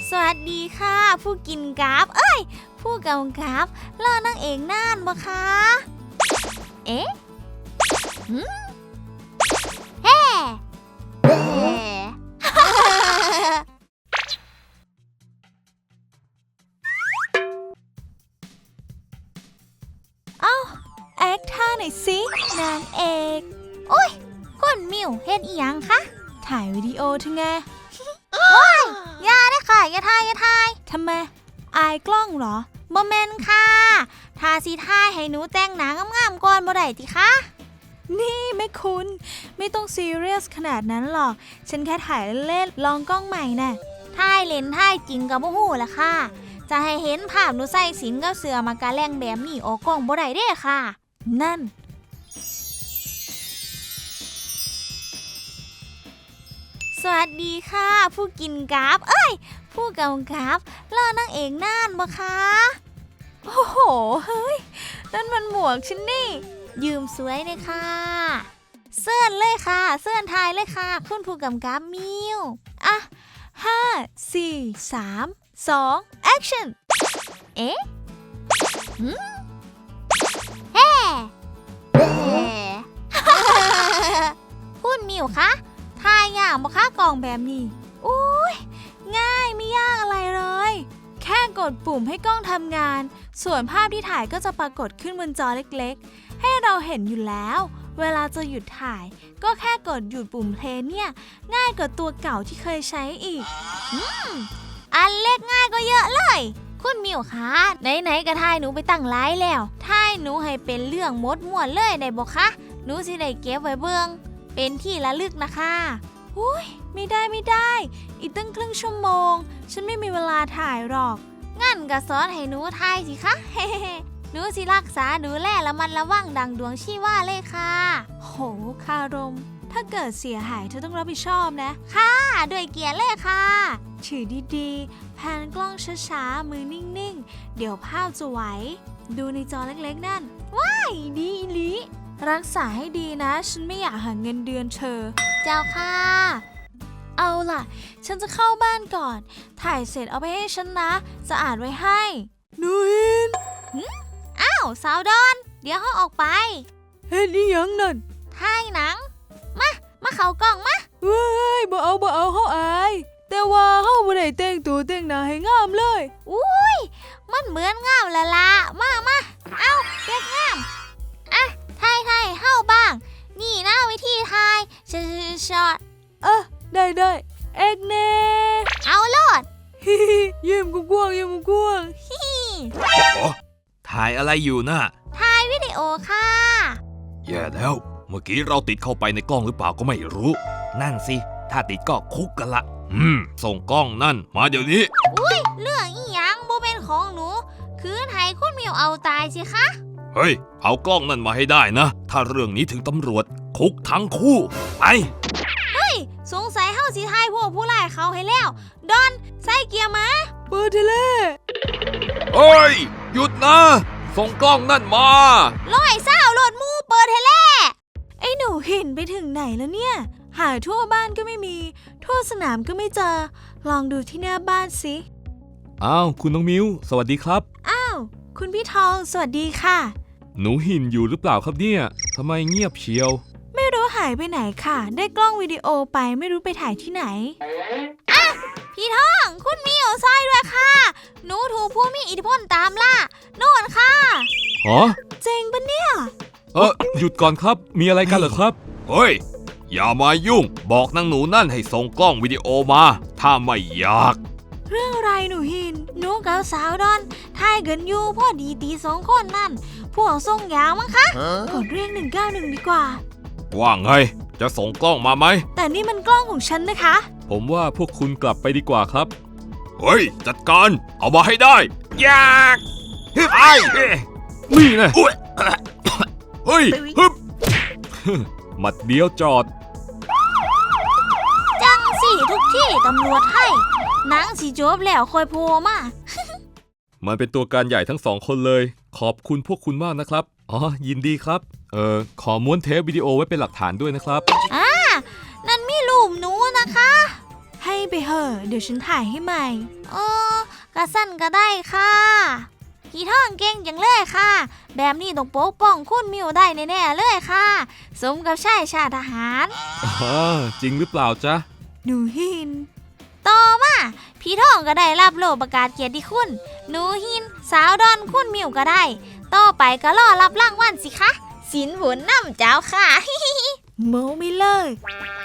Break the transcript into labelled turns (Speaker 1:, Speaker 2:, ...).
Speaker 1: สวัสดีค่ะผู้กินกราฟผู้กำกับรอนางเอกน่านบ่คะเอ๊ะเฮ้เอ้าแอคท่าหน่อยสินางเอกโอ้ยก้นมิวเฮ็ดอีหยังคะถ่ายวิดีโอเธอไงว้ายอย่าได้ค่ะอย่าถ่ายทำไมอายกล้องเหรอบ่แม่นค่ะทาสีถ่ายให้หนูแต่งหน้างามๆก่อนบ่ได้ติคะนี่แม่คุณไม่ต้องซีเรียสขนาดนั้นหรอกฉันแค่ถ่ายเล่นๆลองกล้องใหม่น่ะถ่ายเล่นถ่ายจริงกับบ่ฮู้ล่ะค่ะจะให้เห็นภาพหนูใส่สินกับเสื้อมากะแลงแบบนี้ออกกล้องบ่ได้เด้ค่ะนั่นสวัสดีค่ะผู้กินกราฟผู้กำกับรอนางเอกน่านบ่คะโอ้โหเฮ้ยนั่นมันหมวกฉันนี่ยืมสวยเลยค่ะเสื้อนเลยค่ะเสื้อนทายเลยค่ะคุณผู้กำกับมิวอ่ะ5 4 3 2 action เอ๊ะเฮ้คุณมิวคะทายอย่างบ่คะกล่องแบบนี้อุ้ยง่ายไม่ยากอะไรเลยแค่กดปุ่มให้กล้องทำงานส่วนภาพที่ถ่ายก็จะปรากฏขึ้นบนจอเล็กๆให้เราเห็นอยู่แล้วเวลาจะหยุดถ่ายก็แค่กดหยุดปุ่มเพลย์เนี่ยง่ายกว่าตัวเก่าที่เคยใช้อีกอันเล็กง่ายก็เยอะเลยคุณมิวคะไหนๆก็ถ่ายหนูไปตั้งไลน์แล้วถ่ายหนูให้เป็นเรื่องมดม่วนเลยได้บ่คะหนูสิได้เก็บไว้เบิ่งเป็นที่ระลึกนะคะอุ้ยไม่ได้อีกตั้งครึ่งชั่วโมงฉันไม่มีเวลาถ่ายหรอกงั้นก็สอนให้หนูถ่ายสิคะเฮ้หนูสิรักษาดูแลละมันระวังดังดวงชีว่าเลยค่ะโหคารมถ้าเกิดเสียหายเธอต้องรับผิดชอบนะค่ะด้วยเกียรติเลยค่ะถือดีๆแพนกล้องช้าๆมือนิ่งๆเดี๋ยวภาพจะไหวดูในจอเล็กๆนั่นว้ายดีอีหลีรักษาให้ดีนะฉันไม่อยากหาเงินเดือนเธอเจ้าค่ะเอาล่ะฉันจะเข้าบ้านก่อนถ่ายเสร็จเอาไปให้ฉันนะจะอ่านไว้ให้นูหินอ้าวสาวดอนเดี๋ยวเขาออกไปเฮ็ดอีหยังนั่นถ่ายหนังมาเข้ากล้องมาเว้ยบ่เอาเฮาอายแต่ว่าเฮาบ่ได้แต่งตัวแต่งหน้าให้งามเลยอุ้ยมันเหมือนงามละละมาเอาเด็กงามอ่ะถ่ายเฮาบ้างนี่นะวิธีถ่ายช็อตได้เอกเน่เอาโลดยิ้มกว้าง
Speaker 2: ถ่ายอะไรอยู่น่ะ
Speaker 1: ถ่ายวิดีโอค่ะ
Speaker 2: แย่แล้วเมื่อกี้เราติดเข้าไปในกล้องหรือเปล่าก็ไม่รู้นั่นสิถ้าติดก็คุกกันละส่งกล้องนั่นมาเดี๋ยวนี้
Speaker 1: อุ้ยเรื่องอีหยังบ่เป็นของหนูคืนให้คุณมิวเอาตายสิคะ
Speaker 2: เฮ้ยเอากล้องนั่นมาให้ได้นะถ้าเรื่องนี้ถึงตำรวจคุกทั้งคู่ไป
Speaker 1: เฮ้ยสงสัยเฮาสิทายพวกผู้ร้ายเขาให้แล้วดอนใส่เกียร์มาเปิดเทเล
Speaker 2: เฮ้ยหยุดนะส่งกล้องนั่นมา
Speaker 1: ร้อยเศร้าโหลดมูเปิดเทเลไอ้หนูหินไปถึงไหนแล้วเนี่ยหาทั่วบ้านก็ไม่มีทั่วสนามก็ไม่เจอลองดูที่หน้าบ้านสิ
Speaker 2: อ้าวคุณน้องมิวสวัสดีครับ
Speaker 1: อ้าวคุณพี่ทองสวัสดีค่ะ
Speaker 2: หนูหินอยู่หรือเปล่าครับเนี่ยทำไมเงียบเชียว
Speaker 1: ไม่รู้หายไปไหนค่ะได้กล้องวิดีโอไปไม่รู้ไปถ่ายที่ไหนอ่ะพี่ทองคุณมิวซอยด้วยค่ะหนูถูกผู้มีอิทธิพลตามล่าโน่นค่ะเจ๋งปะเนี่ย
Speaker 2: หยุดก่อนครับมีอะไรกันเหรอครับเฮ้ยอย่ามายุ่งบอกนางหนูนั่นให้ส่งกล้องวิดีโอมาถ้าไม่อยาก
Speaker 1: เรื่องอะไรหนูหินหนูกับสาวดอนถ่ายกันอยู่พอดีตีสองคนนั่นพวกส่งยาวมั้งคะกดเรียก191ดีกว่า
Speaker 2: ว่าไงจะส่งกล้องมาไหม
Speaker 1: แต่นี่มันกล้องของฉันนะคะ
Speaker 2: ผมว่าพวกคุณกลับไปดีกว่าครับเฮ้ยจัดการเอามาให้ได้อยากไอ้นี่นะเฮ้ยฮึบหมัดเดียวจอด
Speaker 1: จังสิทุกที่ตำรวจให้หนังสีจบแล้วคอยโผล่มา
Speaker 2: มันเป็นตัวการใหญ่ทั้งสองคนเลยขอบคุณพวกคุณมากนะครับยินดีครับขอม้วนเทปวิดีโอไว้เป็นหลักฐานด้วยนะครับ
Speaker 1: นั่นมีรูปหนูนะคะให้ไปเหอะเดี๋ยวฉันถ่ายให้ใหม่กระสั้นก็ได้ค่ะพี่ท่องเก่งจังเลยค่ะ แบบนี้ต้องปกป้องคุณมิวได้แน่ๆเลยค่ะ สมกับชายชาติทหาร
Speaker 2: จริงหรือเปล่าจ๊ะ
Speaker 1: หนูหิน ต่อมาพี่ท่องก็ได้รับโล่ประกาศเกียรติคุณหนูหิน สาวดอนคุณมิวก็ได้ ต่อไปก็รอรับรางวัลสิคะสินผลน้ำเจ้าค่ะ เมาไม่เลิก